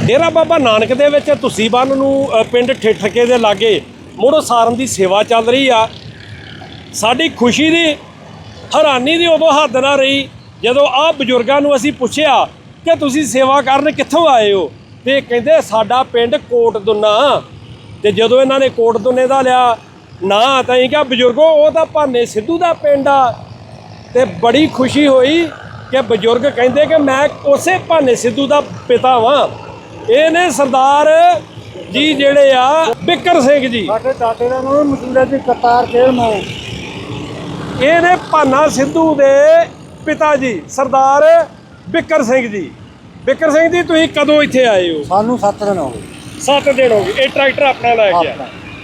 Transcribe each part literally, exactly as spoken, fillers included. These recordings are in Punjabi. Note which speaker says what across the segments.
Speaker 1: डेरा बाबा नानक दे विच तुसी बन नूं पिंड ठेठके दे लागे मुड़ सारन की सेवा चल रही आ। साडी खुशी दी हैरानी दी उदों हद ना रही जदों आ बजुर्गां नूं असीं पुछिआ कि तुसी सेवा करन कित्थों आए हो, ते कहिंदे साडा पिंड कोट दुन्ना। ते जदों इन्हां ने कोट दुन्ने दा लिया ना तां असीं कहा बजुर्गो वो तां भाने सिद्धू दा पिंड आ। ते बड़ी खुशी होई कि बजुर्ग कहिंदे कि मैं उसे भाने सिद्धू दा पिता वां। ये ने सरदार जी जेड़े आ बिकर सिंह जी,
Speaker 2: साडे दादे दा नाम मसूड़ा जी करतार खेल मैं।
Speaker 1: ये ने भाना सिद्धू दे पिता जी सरदार बिकर सिंह जी। बिकर सिंह जी तुसीं कदों इत्थे आए हो?
Speaker 2: सानू सत्त दिन हो गए।
Speaker 1: सत्त दिन हो गए। ये ट्रैक्टर अपना लै गया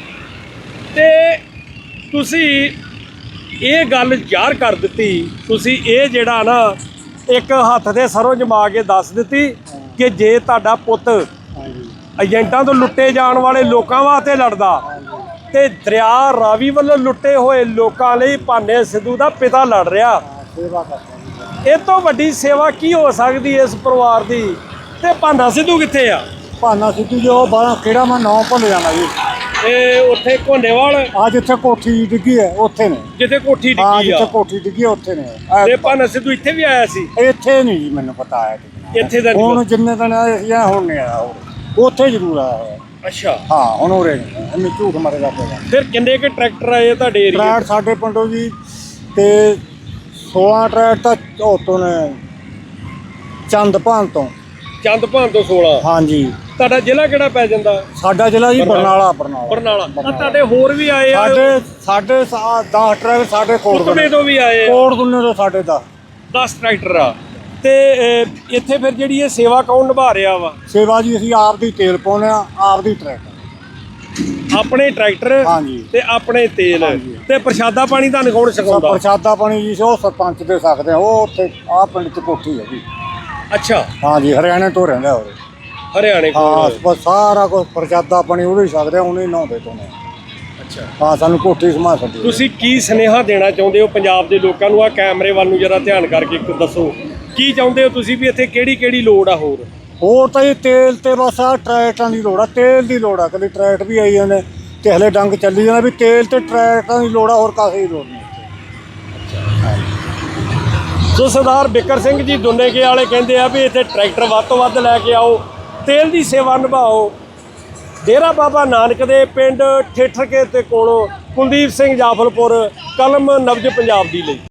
Speaker 1: ते तुसीं ये गल ज़ाहिर कर दित्ती, तुसीं ये जेड़ा ना एक हत्थ दे सरों जमा के दस दित्ती कि जे तुहाडा पुत्त एजेंटां तो लुट्टे जाण वाले लोकां वास्ते लड़दा ते दरिया रावी वालों लुट्टे होए लोकां लई भाने सिद्धू दा पिता लड़ रहा।
Speaker 2: सेवा करते
Speaker 1: इस तो वड्डी सेवा की हो सकदी इस परिवार दी? ते भाना सिद्धू कित्थे आ?
Speaker 2: भाना सिद्धू जो बारह केड़ा मैं नाम भुल जाना जी।
Speaker 1: ਇਹ ਉੱਥੇ ਘੋਨੇਵਾਲ
Speaker 2: आ जिथे कोठी डिग्गी है उत्थे ने।
Speaker 1: ਜਿੱਥੇ ਕੋਠੀ
Speaker 2: हाँ
Speaker 1: ਡਿੱਗੀ
Speaker 2: जिथे
Speaker 1: ਆ
Speaker 2: कोठी डिग्गी है उत्थे ने।
Speaker 1: ਤੇ ਭਾਨਾ ਸਿੱਧੂ ਇੱਥੇ ਵੀ ਆਇਆ ਸੀ?
Speaker 2: ਇੱਥੇ ਨਹੀਂ ਜੀ ਮੈਨੂੰ ਪਤਾ ਹੈ
Speaker 1: ਇੱਥੇ ਦਾ
Speaker 2: ਹੁਣ
Speaker 1: ਨਹੀਂ?
Speaker 2: ਜਿੰਨੇ ਦਿਨ ਆਏ ਸੀ ਹੁਣ ਨਹੀਂ ਆਇਆ ਉਹ। ਉੱਥੇ ਜ਼ਰੂਰ ਆਇਆ ਹੋਇਆ।
Speaker 1: ਅੱਛਾ,
Speaker 2: ਹਾਂ ਹੁਣ ਉਰੇ ਨਹੀਂ ਇਹਨੇ ਝੂਠ ਮਾਰੇਗਾ ਪਏਗਾ।
Speaker 1: ਫਿਰ ਕਿੰਨੇ ਕੁ ਟਰੈਕਟਰ ਆਏ ਤੁਹਾਡੇ ਏਰੀਆ?
Speaker 2: ਟਰੈਕਟ ਸਾਡੇ ਪਿੰਡੋਂ ਜੀ ਤੇ ਸੋਲਾਂ ਟਰੈਕਟ ਤਾਂ ਉੱਥੋਂ ਨੇ ਚੰਦਪਾਨ ਤੋਂ।
Speaker 1: ਚੰਦਪਾਨ ਤੋਂ ਸੋਲਾਂ।
Speaker 2: ਹਾਂਜੀ
Speaker 1: ਤੁਹਾਡਾ ਜ਼ਿਲ੍ਹਾ ਕਿਹੜਾ ਪੈ ਜਾਂਦਾ?
Speaker 2: ਸਾਡਾ ਜ਼ਿਲ੍ਹਾ ਜੀ ਬਰਨਾਲਾ। ਬਰਨਾਲਾ
Speaker 1: ਬਰਨਾਲਾ। ਆ ਤੁਹਾਡੇ ਹੋਰ ਵੀ ਆਏ ਆ?
Speaker 2: ਸਾਡੇ ਸਾਡੇ ਦਸ ਟਰੈਕਟ ਸਾਡੇ ਕੋਟ
Speaker 1: ਕੁਤਬੇ ਤੋਂ ਵੀ ਆਏ ਆ?
Speaker 2: ਕੋਟ ਦੁੰਨੇ ਤੋਂ ਸਾਡੇ ਦਸ
Speaker 1: ਦਸ ਟਰੈਕਟਰ ਆ। ਤੇ ਅਹ, ਇੱਥੇ ਫਿਰ ਜਿਹੜੀ ਇਹ ਸੇਵਾ ਕੌਣ ਨਿਭਾ ਰਿਹਾ ਵਾ?
Speaker 2: ਸੇਵਾ ਜੀ ਅਸੀਂ ਆਪ ਦੀ ਤੇਲ ਪਾਉਂਦੇ ਆ, ਆਪ ਦੀ ਟਰੈਕਟ।
Speaker 1: ਆਪਣੇ ਟਰੈਕਟਰ
Speaker 2: ਹਾਂਜੀ
Speaker 1: ਤੇ ਆਪਣੇ ਤੇਲ
Speaker 2: ਹਾਂਜੀ।
Speaker 1: ਤੇ ਪ੍ਰਸ਼ਾਦਾ ਪਾਣੀ ਤੁਹਾਨੂੰ ਕੌਣ ਛਕਾਉਂਦਾ?
Speaker 2: ਪ੍ਰਸ਼ਾਦਾ ਪਾਣੀ ਜੀ ਉਹ ਸਰਪੰਚ ਦੇ ਸਕਦੇ ਆ, ਉਹ ਉੱਥੇ ਆ ਪਿੰਡ ਚ ਕੋਠੀ ਹੈ ਜੀ।
Speaker 1: ਅੱਛਾ,
Speaker 2: ਹਾਂਜੀ ਹਰਿਆਣੇ ਤੋਂ ਰਹਿੰਦਾ ਉਹ।
Speaker 1: ਹਰਿਆਣੇ
Speaker 2: ਹਾਂ
Speaker 1: ਕੋਲ?
Speaker 2: ਬਸ ਸਾਰਾ ਕੁਝ ਪ੍ਰਸ਼ਾਦਾ ਪਾਣੀ ਉਹਦੇ ਹੀ ਸਕਦੇ ਆ, ਉਹਨੇ ਨਹਾਉਂਦੇ ਤੋਂ ਨੇ।
Speaker 1: ਅੱਛਾ,
Speaker 2: ਹਾਂ ਸਾਨੂੰ ਕੋਠੀ ਸਮਾ ਛੱਡੀ।
Speaker 1: ਤੁਸੀਂ ਕੀ ਸੁਨੇਹਾ ਦੇਣਾ ਚਾਹੁੰਦੇ ਹੋ ਪੰਜਾਬ ਦੇ ਲੋਕਾਂ ਨੂੰ? ਆ ਕੈਮਰੇ ਵੱਲ ਨੂੰ ਜਰਾ ਧਿਆਨ ਕਰਕੇ ਇੱਕ ਦੱਸੋ ਕੀ ਚਾਹੁੰਦੇ ਹੋ ਤੁਸੀਂ ਵੀ ਇੱਥੇ ਕਿਹੜੀ ਕਿਹੜੀ ਲੋੜ ਆ? ਹੋਰ
Speaker 2: ਹੋਰ ਤਾਂ ਇਹ ਤੇਲ ਤੇ ਬਸ ਆ ਟਰੈਕਟਰਾਂ ਦੀ ਲੋੜ ਆ, ਤੇਲ ਦੀ ਲੋੜ ਆ। ਕਦੇ ਟਰੈਕਟ ਵੀ ਆਈ ਜਾਂਦੇ ਤੇ ਹਲੇ ਡੰਗ ਚੱਲੀ ਜਾਂਦਾ ਵੀ ਤੇਲ ਤੇ ਟਰੈਕਟਰਾਂ ਦੀ ਲੋੜ ਆ, ਹੋਰ ਕਾਸੇ ਦੀ ਲੋੜ ਨਹੀਂ।
Speaker 1: ਸੋ ਸਰਦਾਰ ਬਿਕਰ ਸਿੰਘ ਜੀ ਦੁੰਨੇਕੇ ਵਾਲੇ ਕਹਿੰਦੇ ਆ ਵੀ ਇੱਥੇ ਟਰੈਕਟਰ ਵੱਧ ਤੋਂ ਵੱਧ ਲੈ ਕੇ ਆਓ, ਤੇਲ ਦੀ ਸੇਵਾ ਨਿਭਾਓ। ਡੇਰਾ ਬਾਬਾ ਨਾਨਕ ਦੇ ਪਿੰਡ ਠੇਠਕੇ ਤੇ ਕੋਲੋਂ ਕੁਲਦੀਪ ਸਿੰਘ ਜਾਫਲਪੁਰ, ਕਲਮ ਨਬਜ ਪੰਜਾਬ ਦੀ ਲਈ।